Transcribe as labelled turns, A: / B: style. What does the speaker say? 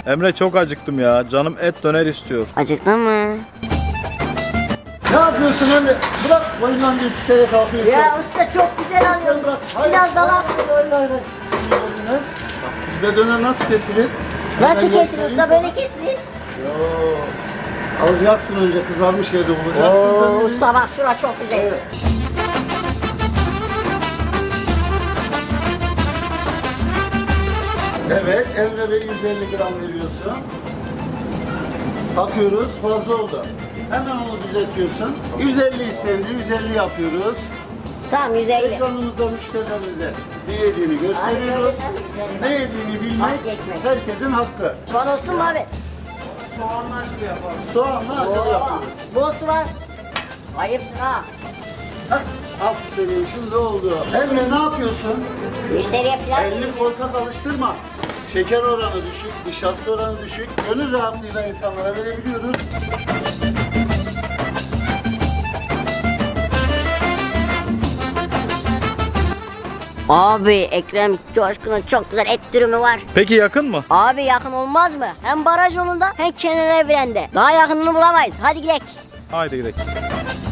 A: Emre çok acıktım ya. Canım et döner istiyor.
B: Acıktın mı?
C: Ne yapıyorsun Emre? Bırak boyundan bir kişiye kalkıyorsun.
B: Ya usta çok güzel alıyorsun. Biraz daha.
C: Hayır. Yediniz. Bizde döner nasıl kesilir?
B: Nasıl
C: Ben
B: kesilir
C: göstereyim
B: usta,
C: sana.
B: böyle kesilir?
C: Yoo. Alacaksın önce kızarmış yerde bulacaksın.
B: Oo,
C: döneri.
B: usta bak şura çok güzel.
C: Evet. Evet, Emre Bey 150 gram veriyorsun. Bakıyoruz, fazla oldu. Hemen onu düzeltiyorsun. 150 istendi, 150 yapıyoruz.
B: Tamam 150.
C: Ekranımızda müşterilerimize ne yediğini gösteriyoruz. Ne yediğini bilmek
B: Fark etmez.
C: herkesin hakkı.
B: Soğan olsun mu abi?
C: Soğanla acılı yapalım. Soğanla acılı yapıyoruz.
B: Bol soğan. Ayıpsın ha.
C: Hah, aferin, şimdi oldu. Emre ne yapıyorsun?
B: Müşteriye pilav
C: Elini
B: vereceğim.
C: korkak alıştırma. Şeker oranı düşük, nişasta oranı düşük. Gönül rahatlığıyla insanlara verebiliyoruz.
B: Abi Ekrem Coşkun'un çok güzel et dürümü var.
A: Peki yakın mı?
B: Abi yakın olmaz mı? Hem baraj yolunda hem kenar evrende. Daha yakınını bulamayız. Hadi gidelim.
A: Haydi gidelim.